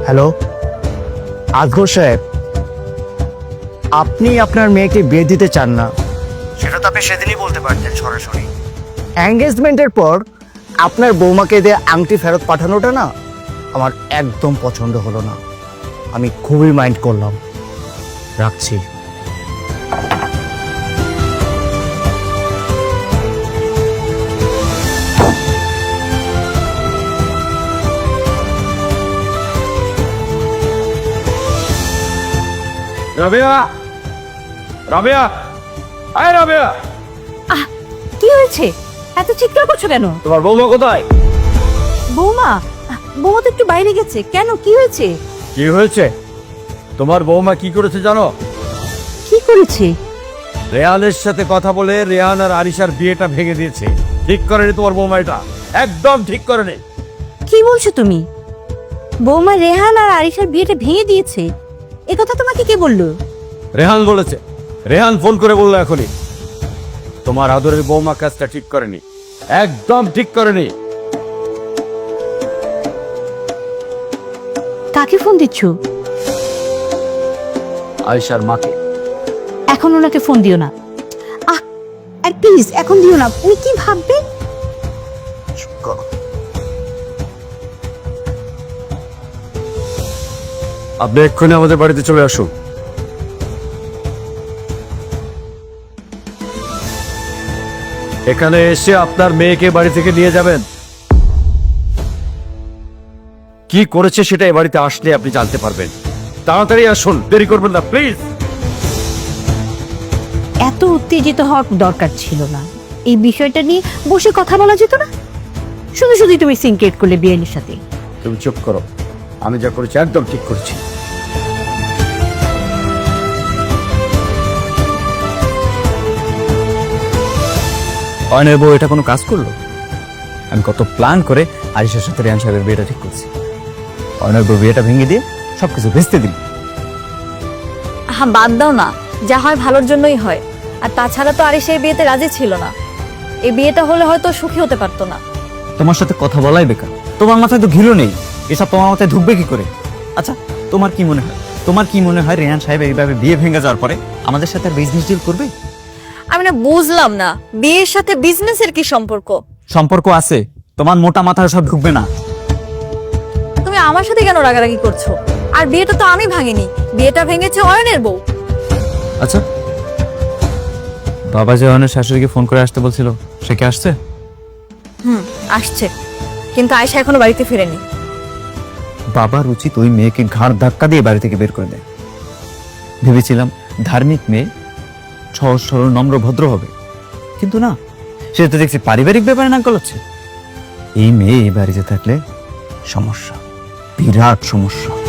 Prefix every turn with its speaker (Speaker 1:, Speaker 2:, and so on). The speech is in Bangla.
Speaker 1: হ্যালো, আজগর সাহেব, আপনি আপনার মেয়েকে বিয়ে দিতে চান না, সেটা তো আপনি সেদিনই বলতে পারতেন সরাসরি। এঙ্গেজমেন্টের পর আপনার বৌমাকে দিয়ে আংটি ফেরত পাঠানোটা না আমার একদম পছন্দ হলো না। আমি খুবই মাইন্ড করলাম। রাখছি।
Speaker 2: রাবেয়া, রাবেয়া, আয় রাবেয়া।
Speaker 3: কি হয়েছে? এত চিৎকার করছো কেন?
Speaker 2: তোমার বৌমা কোথায়?
Speaker 3: বৌমা, বৌমা তো একটু বাইরে গেছে। কেন, কি হয়েছে?
Speaker 2: কি হয়েছে? তোমার বৌমা কি করেছে জানো?
Speaker 3: কি করেছে?
Speaker 2: রেহানের সাথে কথা বলে রেহান আর আরিশার বিয়েটা ভেঙে দিয়েছে। ঠিক করেনি তোমার বৌমা, এটা একদম ঠিক করেনি।
Speaker 3: কি বলছো তুমি? বৌমা রেহান আর আরিশার বিয়েটা ভেঙে দিয়েছে? এ কথা তোমাকে কে বললো?
Speaker 2: রেহান বলেছে। রেহান ফোন করে বললো এখনই। তোমার আদরের বৌমা কাজটা ঠিক করেনি, একদম ঠিক করেনি।
Speaker 3: কাকে ফোন দিচ্ছ?
Speaker 2: আরিশার মাকে।
Speaker 3: এখন ওনাকে ফোন দিও না। আর প্লিজ এখন দিও না। উনি কি ভাববে?
Speaker 1: চুপ করো।
Speaker 2: আপনি এক্ষুনি আমাদের বাড়িতে চলে আসুন। এখানে এসে আপনার মেয়েকে বাড়ি থেকে নিয়ে যাবেন। কি করেছে সেটা এ বাড়িতে আসলে আপনি জানতে পারবেন। তাড়াতাড়ি আসুন, দেরি করবেন না প্লিজ।
Speaker 3: এত উত্তেজিত হওয়ার দরকার ছিল না। এই বিষয়টা নিয়ে বসে কথা বলা যেত না? শুধু শুধুই তুমি সিনক্রেট করলে বিয়ের সাথে।
Speaker 2: তুমি চুপ করো। আমি যা করেছি একদম ঠিক করেছি।
Speaker 4: অয়নের বউ এটা কোনো কাজ করলো? আমি কত প্ল্যান করে আরিশার সাথে রেহান সাহেবের বিয়েটা ঠিক করছি। অয়নের বউ বিয়েটা ভেঙে দিয়ে সবকিছু ভেস্তে দিল।
Speaker 5: হ্যাঁ, বাদ দাও না, যা হয় ভালোর জন্যই হয়। আর তাছাড়া তো আরিশা এই বিয়েতে রাজি ছিল না। এই বিয়েটা হলে হয়তো সুখী হতে পারতো না।
Speaker 4: তোমার সাথে কথা বলাই বেকার। তোমার মাথায় তো ঘিরো নেই, এসব তোমার মাথায় ঢুকবে কি করে? আচ্ছা, তোমার কি মনে হয় রেহান সাহেব এইভাবে বিয়ে ভেঙে যাওয়ার পরে আমাদের সাথে বিজনেস ডিল করবে?
Speaker 5: আমি না বুঝলাম না, বিয়ের সাথে বিজনেসের কি সম্পর্ক?
Speaker 4: সম্পর্ক আছে, তোমার মোটা মাথায় সব ঢুকবে না।
Speaker 5: তুমি আমার সাথে কেন রাগারাগি করছো? আর বিয়েটা তো আমি ভাঙিনি, বিয়েটা ভেঙেছে অয়নের বউ।
Speaker 4: আচ্ছা, বাবা যে অয়নের শাশুড়িকে ফোন করে আসতে বলছিল, সে কি আসছে?
Speaker 5: আসছে, কিন্তু আয়শা এখনো বাড়িতে ফিরেনি।
Speaker 4: বাবার উচিত ওই মেয়েকে ঘাড় ধাক্কা দিয়ে বাড়ি থেকে বের করে দেয়। ভেবেছিলাম ধার্মিক মেয়ে, সহজ সরল নম্র ভদ্র হবে, কিন্তু না, সে তো দেখছি পারিবারিক ব্যাপারে নাক গলাচ্ছে। এই মেয়ে এই বাড়িতে থাকলে সমস্যা, বিরাট সমস্যা।